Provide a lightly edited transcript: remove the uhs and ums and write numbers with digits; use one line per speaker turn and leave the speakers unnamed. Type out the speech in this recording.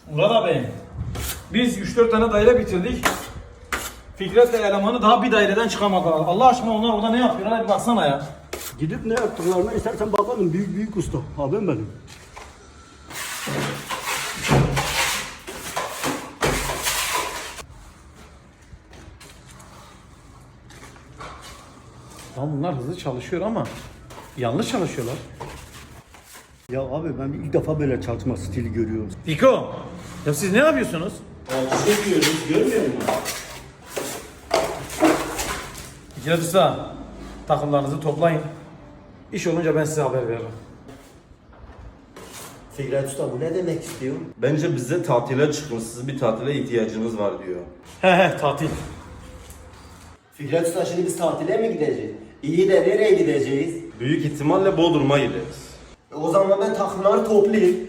Murat abi, biz 3-4 tane daire bitirdik. Fikret'le elemanı daha bir daireden çıkamadılar. Allah aşkına onlar orada ne yapıyorlar? Bir baksana ya.
Gidip ne yaptıklarına istersen bakalım. Büyük büyük usta. Abim benim.
Lan bunlar hızlı çalışıyor ama yanlış çalışıyorlar.
Ya abi ben ilk defa böyle çalışma stili görüyorum.
Fiko, ya siz ne yapıyorsunuz?
Alçı yapıyoruz. Görmüyor musun?
Fikret Usta, takımlarınızı toplayın. İş olunca ben size haber veririm.
Fikret Usta bu ne demek istiyor?
Bence bize tatile çıkmışsınız, bir tatile ihtiyacınız var diyor.
He tatil.
Fikret Usta şimdi biz tatile mi gideceğiz? İyi de nereye gideceğiz?
Büyük ihtimalle Bodrum'a gideriz.
O zaman ben takımları toplayayım.